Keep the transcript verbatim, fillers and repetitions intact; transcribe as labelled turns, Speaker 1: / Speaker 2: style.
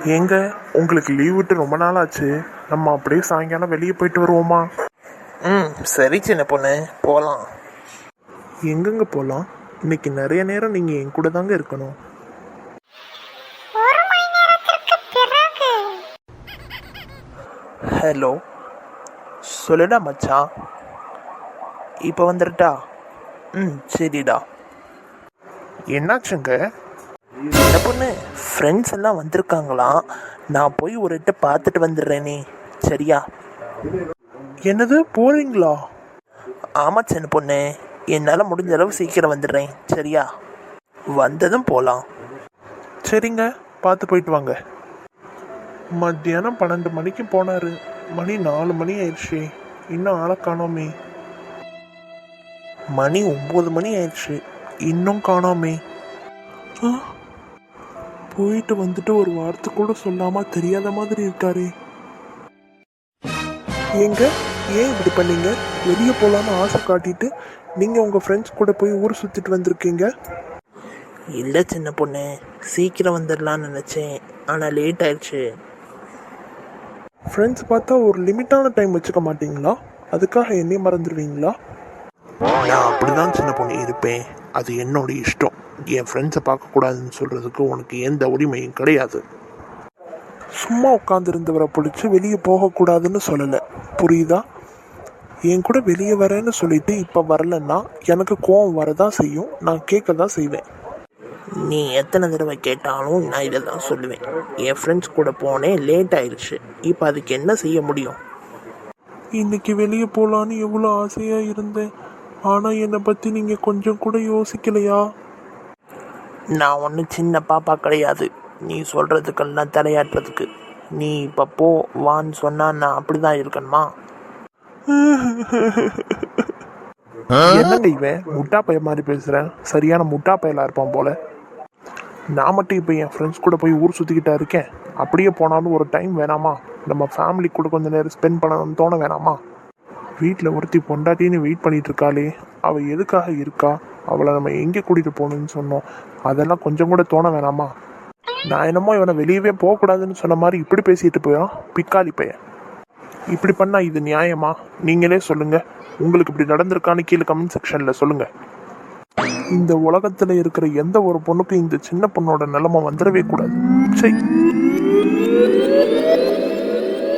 Speaker 1: ஏங்க உங்களுக்கு லீவ் விட்டு ரொம்ப நாள் ஆச்சு. நம்ம அப்படியே சாயங்காலம் வெளியே போயிட்டு வருவோமா?
Speaker 2: ம் சரி சின்ன பொண்ணு, போகலாம்.
Speaker 1: எங்கெங்க போகலாம்? இன்னைக்கு நிறைய நேரம் நீங்கள் என் கூட தாங்க இருக்கணும்.
Speaker 3: ஒரு மணி நேரத்திற்கு பிறகு
Speaker 2: ஹலோ, சொல்லுடா மச்சான். இப்போ வந்துடுட்டா? ம் சரிடா.
Speaker 1: என்னாச்சுங்க?
Speaker 2: சின்ன பொண்ணு, ஃப்ரெண்ட்ஸ் எல்லாம் வந்திருக்காங்களாம். நான் போய் ஒரு இட்ட பார்த்துட்டு வந்துடுறேனே, சரியா?
Speaker 1: என்னது, போறீங்களா?
Speaker 2: ஆமாம் சின்ன பொண்ணு, என்னால் முடிஞ்ச அளவு சீக்கிரம் வந்துடுறேன், சரியா? வந்ததும் போகலாம்.
Speaker 1: சரிங்க, பார்த்து போயிட்டு வாங்க. மத்தியானம் பன்னெண்டு மணிக்கு போனாரு. மணி நாலு மணி ஆயிடுச்சு, இன்னும் ஆளை காணோமே. மணி ஒம்பது மணி ஆயிடுச்சு, இன்னும் காணோமே. ஆ, போயிட்டு வந்துட்டு ஒரு வார்த்தை கூட சொல்லாம தெரியாத மாதிரி இருக்காரு. ஏங்க, ஏன் இப்படி பண்ணீங்க? வெளியே போகலான்னு ஆசை காட்டிட்டு நீங்க உங்க ஃப்ரெண்ட்ஸ் கூட போய் ஊர் சுத்திட்டு வந்திருக்கீங்க.
Speaker 2: இல்லை சின்ன பொண்ணு, சீக்கிரம் வந்துடலான்னு நினச்சேன், ஆனால் லேட் ஆயிடுச்சு.
Speaker 1: ஃப்ரெண்ட்ஸ் பார்த்தா ஒரு லிமிட்டான டைம் வச்சுக்க மாட்டீங்களா? அதுக்காக என்னையும் மறந்துடுவீங்களா? நான் அப்படிதான் சின்ன பொண்ணு இருப்பேன், அது என்னோட இஷ்டம். என் ஃப்ரெண்ட்ஸை பார்க்கக்கூடாதுன்னு சொல்கிறதுக்கு உனக்கு எந்த உரிமையும் கிடையாது. சும்மா உட்காந்துருந்தவரை பிடிச்சி வெளியே போகக்கூடாதுன்னு சொல்லலை, புரியுதா? என் கூட வெளியே வரேன்னு சொல்லிட்டு இப்போ வரலன்னா எனக்கு கோவம் வரதான் செய்யும், நான் கேட்க தான் செய்வேன்.
Speaker 2: நீ எத்தனை தடவை கேட்டாலும் நான் இதை தான் சொல்லுவேன். என் ஃப்ரெண்ட்ஸ் கூட போனேன், லேட் ஆயிடுச்சு. இப்போ அதுக்கு என்ன செய்ய முடியும்?
Speaker 1: இன்னைக்கு வெளியே போகலான்னு எவ்வளோ ஆசையாக இருந்தேன், ஆனால் என்னை பற்றி நீங்கள் கொஞ்சம் கூட யோசிக்கலையா?
Speaker 2: நான் ஒன்றும் சின்ன பாப்பா கிடையாது நீ சொல்கிறதுக்கெல்லாம் தலையாட்டுறதுக்கு. நீ இப்போ போ வான்னு சொன்னால் நான் அப்படி தான் இருக்கணுமா?
Speaker 1: என்னங்க இவன் முட்டா பைய மாதிரி பேசுகிறேன், சரியான முட்டா பயலாக இருப்பான் போல. நான் மட்டும் இப்போ என் ஃப்ரெண்ட்ஸ் கூட போய் ஊர் சுற்றிக்கிட்டா இருக்கேன். அப்படியே போனாலும் ஒரு டைம் வேணாமா? நம்ம ஃபேமிலி கூட கொஞ்சம் நேரம் ஸ்பெண்ட் பண்ணணும்னு தோண வேணாமா? வீட்டில் ஒருத்தி பொண்டாட்டின்னு வெயிட் பண்ணிட்டு இருக்காளே, அவள் எதுக்காக இருக்கா? அவளை நம்ம எங்கே கூட்டிகிட்டு போகணுன்னு சொன்னோம், அதெல்லாம் கொஞ்சம் கூட தோண வேணாமா? நான் என்னமோ இவனை வெளியவே போகக்கூடாதுன்னு சொன்ன மாதிரி இப்படி பேசிட்டு போயிடும் பிக்காளி பையன். இப்படி பண்ணால் இது நியாயமா? நீங்களே சொல்லுங்கள், உங்களுக்கு இப்படி நடந்திருக்கான்னு கீழே கமெண்ட் செக்ஷனில் சொல்லுங்கள். இந்த உலகத்தில் இருக்கிற எந்த ஒரு பொண்ணுக்கும் இந்த சின்ன பொண்ணோட நிலைமை வந்துடவே கூடாது. சரி.